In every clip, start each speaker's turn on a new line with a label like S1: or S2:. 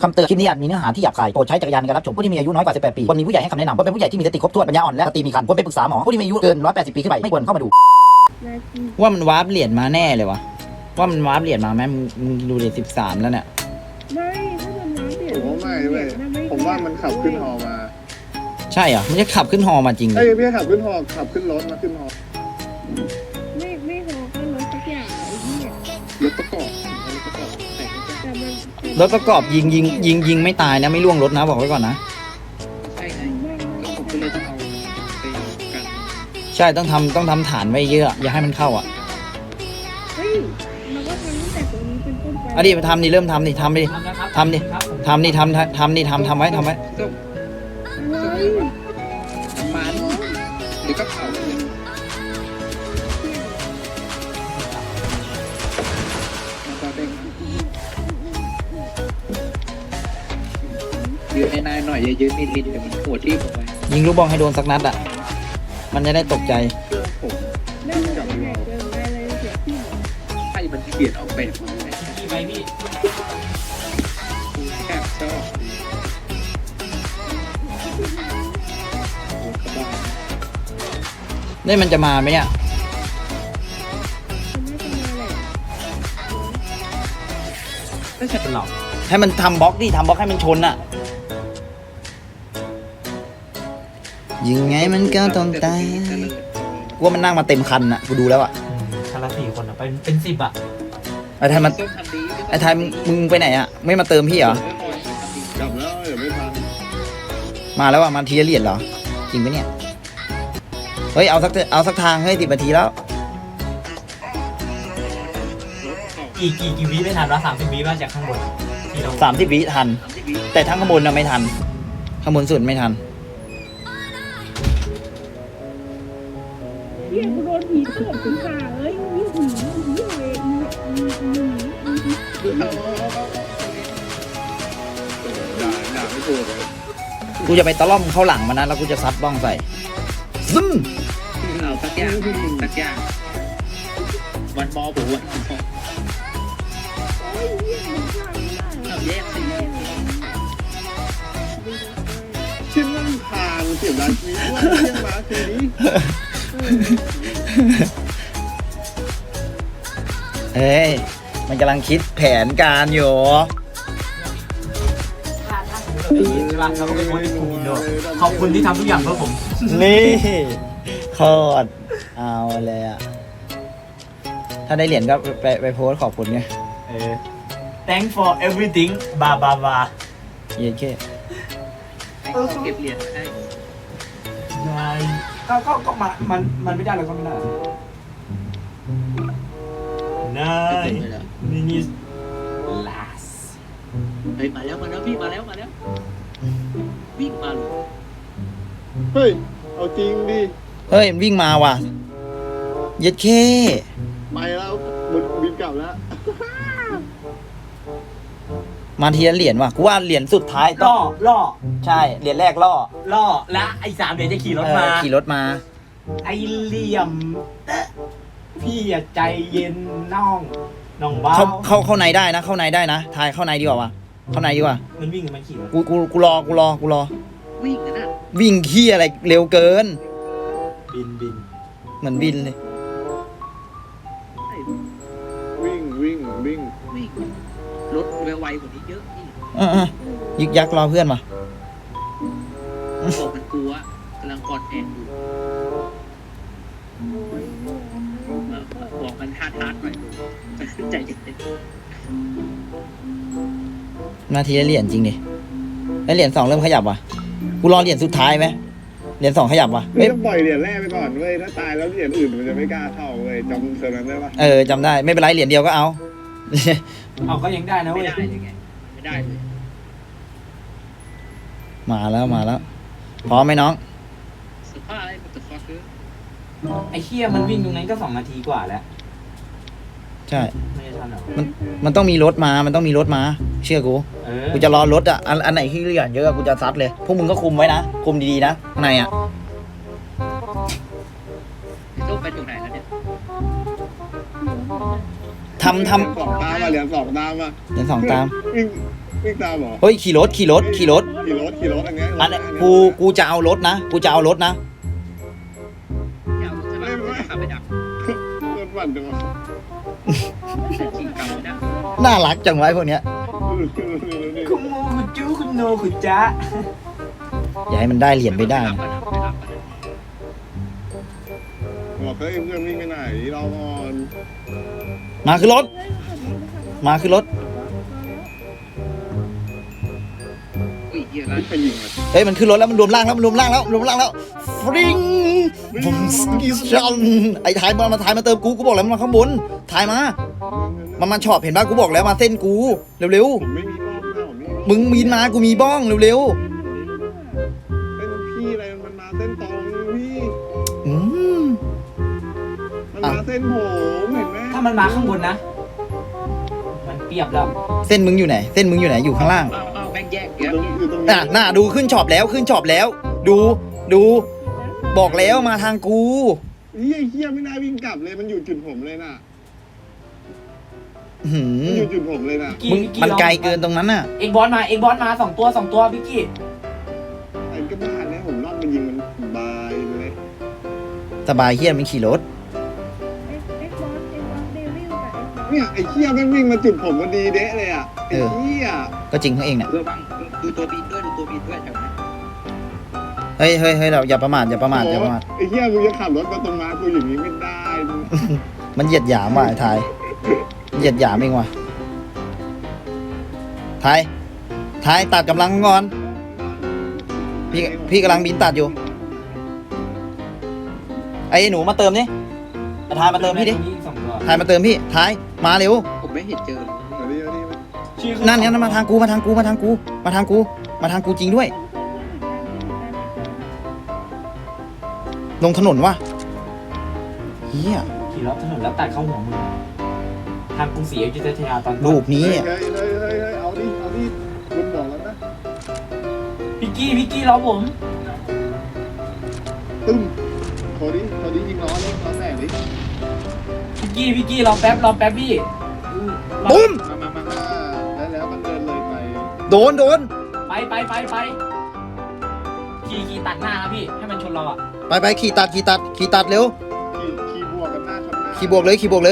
S1: คำเตือนคลิปนี้อาจมีเนื้อหาที่หยาบคายโปรดใช้จักรยานในการรับชมผู้ที่มีอายุน้อยกว่า18ปีควรมีผู้ใหญ่ให้คำแนะนำควรเป็นผู้ใหญ่ที่มีสติครบถ้วนปัญญาอ่อนและสติมีครรภ์ควรไปปรึกษาหมอผู้ที่มีอายุเกิน180ปีขึ้นไปไม่ควรเข้ามาดู
S2: ว่ามันวาร์ปเหรียญมาแน่เลยวะว่ามันวาร์ปเหรียญมาไหมมึงดูเลย13แล้วเนี่ย
S3: ไม่ถ้ามันน้ำเปลี่ยน
S4: ผมว่าไม่เว้ยผมว่ามันขับขึ้นฮอมา
S2: ใช่เหรอมันจะขับขึ้นฮอมาจริงเล
S4: เอ้
S2: ย
S4: ยพี่ขับขึ้นฮอขับขึ้นรถมาขึ้นฮอ
S3: ไม่พอก็รถสักอย่างไอ้ที่เนี่ย
S4: รถประกอบแต่ง
S3: แต่มัน
S2: รถประกอบยิงไม่ตายนะไม่ล่วงรถนะบอกไว้ก่อนนะ
S4: ใช่ไงแล้วผมก็เลยต้องเอาไปกัน
S2: ใช่ต้องทำฐานไว้เยอะอย่าให้มันเข้าอ่ะ
S3: เฮ้ยมันก็ทำตั้งแต่ตัวนี้เป็นต้นไป
S2: เอาดิมาทำดิเริ่มทำดิทำดิทำดิทำดิทำดิทำไว้
S3: อะไร
S4: ก็มันหรือก็เผาเลยมันก็เด้งยืนให้นายหน่อยอย่ายืนนิดๆเดี๋ยวมันหัวที่ผมไป
S2: ยิงลูกบอลให้โดนสักนัดอ่ะมันจะได้ตกใจ
S4: เครื่องผม
S3: เล่นกับใหญ่เกินไปเลยเสียที่หรอ
S4: ให้มันเปลี่ยนออกแบบมาไหม
S5: พี่ไปพี่
S4: แค่ชอบโอ้กระบา
S2: นี่มันจะมาไหมเนี่ย
S3: มันน่าจะมาแหละ
S5: ไม่ใช่เป็นหรอก
S2: ให้มันทำบล็อกดิทำบล็อกให้มันชนอ่ะยิงไงมันก็ต้องตายกูว่ามันนั่งมาเต็มคันอ่ะกูดูแล้วอ่ะ
S5: คันละ4 คนอ่ะเป็น10อ่ะ
S2: ไอ้ไทยมันไอ้ไทยมึงไปไหนอ่ะไม่มาเติมพี่เหรอ
S4: กลับแล้วเดี๋ยวไม่ทัน
S2: มาแล้วอ่ะมาทีละเหรียญเหรอจริงปะเนี่ยเฮ้ยเอาสักทางเฮ้ย10 นาทีแล้ว
S5: กี่วิไม่ทันวะ30 วิมาจากข้างบนที่เรา
S2: 30 วิทัน แต่ทั้งข้างบนน่ะไม่ทันข้างบนสุดไม่ทัน
S3: เฮียกูโดนผีเถื่อนถึงขาเอ้ยยิ่งผียิ่งเลย
S4: ด่าไม่ถูกเลย
S2: กูจะไปตะล่อมเข้าหลังมันนะแล้วกูจะซัดบ้องใส่ซึม
S4: เอาสักอย่างวันมอผมวันมอ
S3: โอ้ยเฮียมันฆ่าไม่ได้
S4: เอาแยกสิชิ้นนั่งทางเสียบร้านนี้ว่าเที่ยงมาคืนนี้
S2: เฮ้ยมันกำลังคิดแผนการอยู่
S5: ใช่ป่ะเราก็ไปโพสต์ในกลุ่มอินโดขอบคุณที่ทำทุกอย่างเพื่อผม
S2: นี่โคตรเอาเลยอ่ะถ้าได้เหรียญก็ไปโพสต์ขอบคุณไง
S5: thank for everything บาบาบา
S2: เย้แค่
S4: เก็บเหรียญให้
S5: ก็มันไม่ได้แล้วก็ไม่ได้นายมินิสลาส
S6: เฮ้ยมาแล้วพี่มาแล้ววิ่งมาเลย
S4: เฮ้ยเอาจริงดิ
S2: เฮ้ยมันวิ่งมาว่ะเย็ดแค่
S4: ไปแล้วมึงบินกลับแล้ว
S2: มาทีละเหรียญว่ะกูว่าเหรียญสุดท้ายต้
S5: ล่
S2: อง
S5: อ
S2: ใช่เหรียญแรกล่อ
S5: และไอ้3 เดี๋ยวจะขี่รถมา
S2: ขี่รถมา
S5: ไอ้เหลี่ยมพี่อย่าใจเย็นน้องบ้า
S2: เข้าในได้นะเข้าในได้นะทายเข้าในดีกว่าวะเข้าในดีกว่า
S5: มันวิ่งกับมันขี่รถ
S2: กูรอ
S6: วิ่งนะ
S2: วิ่งขี้อะไรเร็วเกิน
S5: บิน
S2: เหมือนบินเลย
S4: วิ่ง
S6: วิ่งรถไวกว่านี้เยอะนี่
S2: ยึกยักรอเพื่อนมา
S6: บอกมันกลัวกำลังกอดแอนอยู่บอกมันฮาร์ดหน่อยใจเย็น
S2: นาทีละเหรียญจริงดิแล้วเหรียญ2เริ่มขยับว่ะกูรอเหรียญสุดท้ายไหมเหรียญ2ขยับว่ะ
S4: ไม่ต้องปล่อยเหรียญแรกไปก่อนเว้ยถ้าตายแล้วเหรียญอื่นมันจะไม่กล้าเข้าเว้ยจำเซอร์นั้นได้ปะ
S2: จำได้ไม่เป็นไรเหรียญเดียวก็เอา
S5: เอาก็ยังได้นะ
S6: ไม่
S5: เว้ย
S6: ได้ยังไงไม่ได้เลย
S2: มาแล้วพร้อมไหมน้อง
S6: สภาพอะไรมันจะฟอสคือ
S5: ไอ้เคี้ยมันวิ่งตรงนั้นก็2 นาทีกว่าแล้ว
S2: ใช่
S5: ไม่ได้ทันหรอ
S2: มันต้องมีรถมาเชื่อกูกูจะรอรถอ่ะอันไหนที่เหรียญเยอะกูจะซัดเลยพวกมึงก็คุมไว้นะคุมดีๆนะข้างในอ่ะ
S6: ต้องไปถึงไหนแล้วเนี่ย
S2: ทำ
S4: สองตามมาเหรียญสองตามมา
S2: เหรียญ2ตาม
S4: วิ่งวิ่งตามเหรอ
S2: เฮ้ยขี่รถ
S4: ขี่รถอันเนี้ย
S2: อันนี้กูจะเอารถนะกูจะเอารถนะ
S6: อย่าเอาใช่ไหมขับไปดัก
S4: รถปั่นจังวะ
S6: ขี่กลับไปดัก
S2: น่ารักจังไวะไอ้พวกเนี้ย
S5: คุณโมคุณจูคุณโนคุณจ๊ะ
S2: อย่าให้มันได้เหรียญไม่ได้นะ
S4: บอกเฮ้ยเพื่อนวิ่งไปไหนรอก่อน
S2: มาขึ้นรถ มาขึ้นรถ
S6: อุ้ยเหี้ยอะไร
S4: วิ่งไปยิงมัน
S2: เฮ้ยมันขึ้นรถแล้วมันรวมร่างแล้วมันรวมร่างแล้วฟริงผมสกิชันไอ้ถ่ายมาถ่ายมาเติมกูบอกแล้วมันมาข้างบนถ่ายมามันชอบเห็นป่ะกูบอกแล้วมาเส้นกูเร็ว
S4: ผมไม่มีบ้องนะผมไม่มี
S2: ๆมึงมีนมากูมีบ้องเร็ว
S4: เส้นพี่อะไรมันมาเส้นตรงพี่
S2: ๆอืม
S4: มันมาเส้นผมเห็นไหม
S5: ถ้ามันมาข้างบนนะ มันเปรียบแล้ว
S2: เส้นมึงอยู่ไหนเส้นมึงอยู่ไหนอยู่ข้างล่าง
S6: เอาแบงแยก
S4: อยู่
S6: เดี๋ยว
S4: ตรง
S2: อ่ะหน้าดูขึ้นช็อปแล้วดูบอกแล้วมาทางกู
S4: เฮียไม่น่าวิ่งกลับเลยมันอยู่จุดผมเลยน่ะ
S2: หื
S4: มัน
S2: ม
S4: อยู่จุดผมเลยน่ะ
S2: มึงมันไกลเกินตรงนั้นน่ะ
S5: เอ็กบอลมาสองตัวพี่กี้
S4: ไอ้ก็บ้านเนี่ยผมรอบมันยิงมันบายเลย
S2: สบายเฮียมันขี่รถ
S3: เอ็กบอสเดวิลกับเอ็กบอส
S4: เนี่ยไอ้เฮียแม่งวิ่งมาจุดผมพอดีเดะเลยอ่ะไอ้เฮีย
S2: ก็จริงเขาเองเนี่ย
S6: เพื่อบ้างดูตัวบินด้วยแถวนั้น
S2: เฮ้ยเราอย่าประมาท
S4: ไอ้เฮียมึงจะขับรถมาตรงมากูอย่างนี้ไม่ได้
S2: มันเหยียดหยามว่ะไอ้ไทยเหยียดหยามเองว่ะไทยตัดกำลังก่อนพี่กำลังบินตัดอยู่ไอ้หนูมาเติมนี่ไทยมาเติมพี่ดิ
S5: สองตัว
S2: ไทยมาเติมพี่ไทยมาเร็ว
S6: ผมไม่เห็นเจอเลย
S5: ชื่อ
S2: นั่นมาทางกูมาทางกูจริงด้วย ลงถนนว่ะเฮีย
S5: ขี่รถถนนแล้วตัดเข้าหัวมึงทางกรุงศรีอยุธยาตอนต้น
S2: รูปนี้
S4: เฮ้ยเอาดิคุณบอกแล้วนะ
S5: พี่กี้รอผม
S4: ตึ้มโทรดิยิงล้อเลยล้อแตกดิ
S5: พี่กี้รอแป๊บพี่
S2: ปุ้ม
S4: มาแล้วมันเดินเลยไป
S2: โดน
S5: ไปขี่ตัดหน้านะพี่ให้มันชนเราอ่ะ
S2: ไปขี่ตัดเร็ว
S4: ขี่บวกกันหน้าชนหน้า
S2: ขี่บวกเลย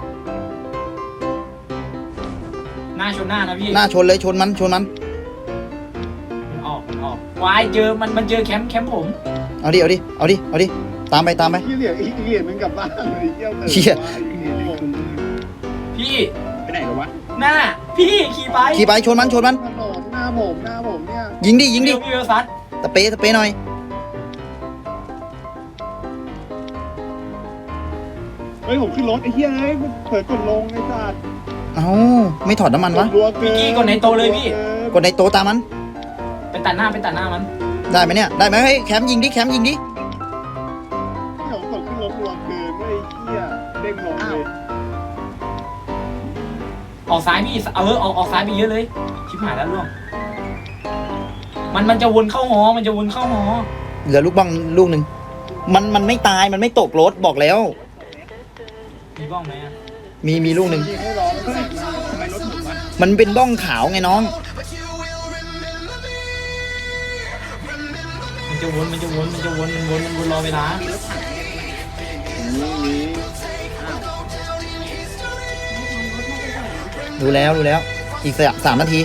S5: หน้าชนหน้านะพี่
S2: หน้าชนเลยชนมัน
S5: มันออกวายเจอมันเจอแคมป์ผม
S2: เอาดิตามไป
S4: ขี้เหลี่ยอีกเหลี่ยมนึงกลับบ้านเลยเยี่ยวเลย
S5: พี่
S6: ไปไหนกันวะ
S5: หน้าพี่ขี่ไป
S2: ขี่ไปชนมัน
S4: ถนนหน้าผมเนี่ย
S2: ยิงดิ
S5: พี่เวลซัด
S2: สเปรย์หน่อย
S4: เฮ้ยผมขึ้นรถไอ้เหี้ยเฮ้ยเผยกดลงไอ้สัตว์
S2: เอ้าไม่ถอดน้ำมันวะ
S4: รัวเกิน
S5: พี่กี้กดในโตเลยพี่
S2: กดในโตะตามมัน
S5: ไปตัดหน้ามัน
S2: ได้ไหมเนี่ยได้ไหมเฮ้ยแคมยิงดิ
S4: เดี๋ยวกดขึ้นรถรัวเกินไม่เหี้ยเด้งลงเลย
S5: ออกซ้ายพี่ออกซ้ายไปเยอะเลยชิบหายแล้วล่วงมันจะวนเข้าหอ
S2: เหลือลูกบ้องลูกหนึ่งมันไม่ตายมันไม่ตกรถบอกแล้ว
S5: มีบ้องไหมอ่ะ
S2: มีลูกหนึ่ง
S4: ยิงให้ร้อนแตกหน้า
S6: ทำไมรถผมวะ
S2: มันเป็นบ้องขาวไงน้อง
S5: มันจะวนรอเวลา
S6: มีรถถัง
S4: มี
S2: ดูแล้วอีก3 นาที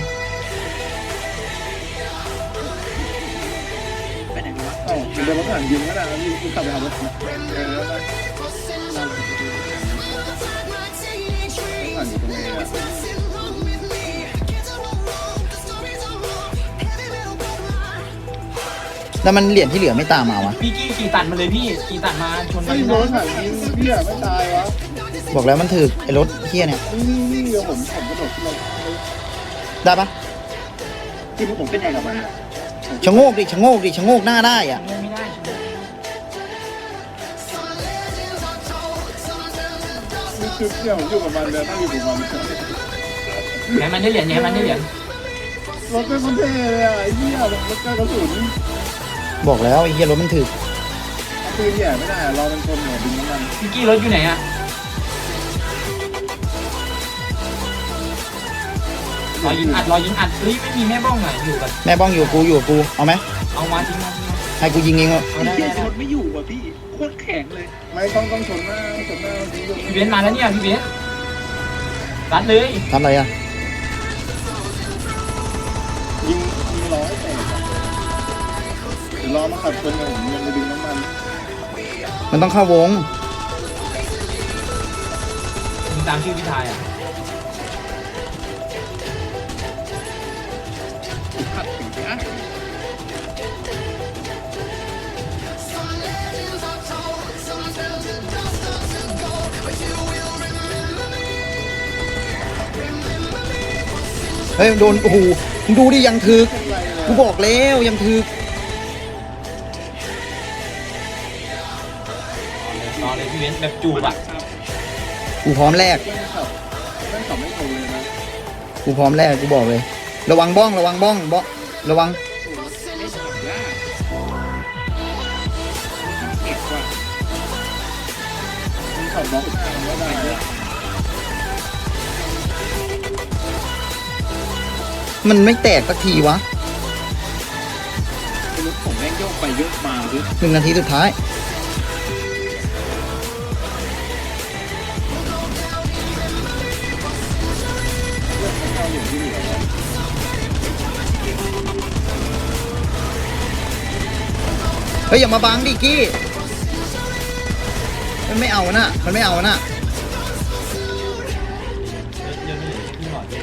S6: ไปไหนกันวะ
S4: เอ้าเดี๋ยวรถถังยิงก็ได้แล้วยิงกลับไปเอารถถังรถถังอยู่ตรงไหนอ่ะ
S2: แล้วมันเหรียญที่เหลือไม่ตามมาวะ
S5: พี่กี้ขี่ตัดมาเลยพี่ขี่ตัดมาชน
S4: ไม่รถถังยิงเหี้ยไม่ตายวะ
S2: บอกแล้วมันถือไอ้รถเฮียเนี่ย
S4: นี่เดี๋ยวผมกระโดดขึ้นรถ
S2: ได้ปะ
S6: ที่ผมเป็นไงกับมัน
S2: ชะโงกหน้าได้อ่ะ
S5: ไม่ได้
S4: นี่คือเที่ยวผมอยู่กับมันเลยนั่งอยู่กับมัน
S5: ไหนมันได้เหรียญ
S4: รถเป็นคนเท่เลยอ่ะไอ้เหี้ยรถกระสุน
S2: บอกแล้วไอ้เฮียรถมันถือ
S4: เอาปืนแย่ไม่ได้รอเป็นคนหัวบินน้ำมัน
S5: พี่กี้รถอยู่ไหนอ่ะรอยิงอัดเฮ้ยไม่มีแม่บ้องอ่ะอยู่กับ
S2: แม่บ้องอยู่กูเอาไหม
S5: เอามาทิ้งมา
S2: ให้กูยิงเองเหรอ
S5: เอา
S6: ไอ้
S5: ได้
S6: เหี้ย
S5: ได้
S6: ชนไม่อยู่ว่ะพี่โคตรแข็งเลย
S4: ไม่ต้องชนหน้าจริง
S5: พี่เบนซ์มาแล้วเนี่ยพี่เบนซ์รัดเลย
S2: ทำอะไรอ่ะ
S4: ยิงร้อยแต่เดี๋ยวรอมาขับชนผมยังไปดึงน้ำมัน
S2: มันต้องเข้าวง
S5: ยิงตามชื่อพี่ชายอ่ะ
S6: ขัดถึงนะ
S2: เฮ้ยโดนโอ้โหมึงดูดิยังถึกกูบอกแล้วยังถึก
S5: รอเลยพี่เบนซ์แบบจูบอ่ะ
S2: กูพร้อมแลก
S4: เรื่องขับไม่ตรงเลยนะ
S2: กูพร้อมแลกกูบอกเลย ระวังบ้องระวังบ้องระวัง
S6: เก็บว่ะ
S4: มึงขับบล็อกหน้ามันไม่ได้เลย
S2: มันไม่แตกสักทีวะ
S6: รถผมแม่งโยกไปโยกมาด้วย
S2: 1 นาทีสุดท้ายเฮ้ยอย่ามาบังดิกี้มันไม่เอานะมันไม่เอานะ
S5: เดี๋ยวนี้พี่หลอดเลย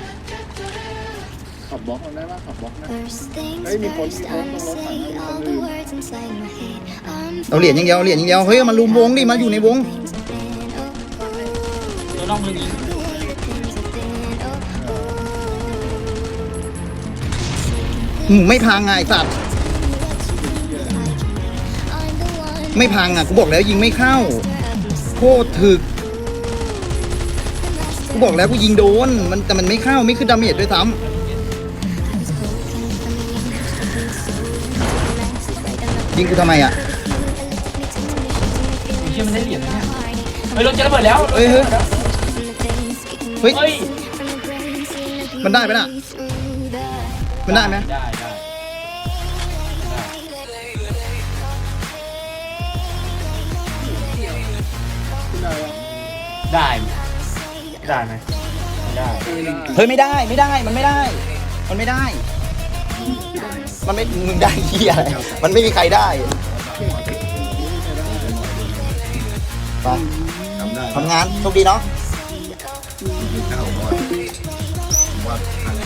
S4: ขับบล็อกมันได้ป่ะขับบล็อกหน้า
S7: First things
S4: Ê, mi
S7: first,
S4: con
S7: I'ma
S4: con
S7: say
S4: con
S7: all
S4: con
S7: the
S4: đi.
S7: words inside my head. I'm
S2: เอาเหรียญอย่างเดียวเหรียญอย่างเดียวเฮ้ยมาลุมวงดิมาอยู่ในวง
S7: things I've been, oh,
S5: ตัวน้องมือยิง
S7: the things I've been, oh,
S2: ไม่พังไงไอ้สัตว์
S7: I'm the one
S2: ไม่พังอ่ะกูบอกแล้วยิงไม่เข้าโคตรถึกกูบอกแล้วกูยิงโดนมันแต่มันไม่เข้าไม่ขึ้นดาเมจด้วยซ้ำยิงกูทำไมอ่ะ
S5: เชื่อมันได้เหรียญนะเนี่ยเฮ้ยรถจะระเบิดแล้ว
S2: เฮ้ยเฮ้ยเฮ้ย
S5: เฮ้ย
S2: มันได้ไหมน่ะมันได้ไหม
S5: ได้ได้ได้ไหมไม่ได้
S2: เฮ้ยไม่ได้มันไม่ได้มันไม่ได้มันไม่มึงได้เหี้ยอะไรมันไม่มีใครได้ไปทำงานโชคดีเนาะ
S4: ข้าวก่อนว่าทาง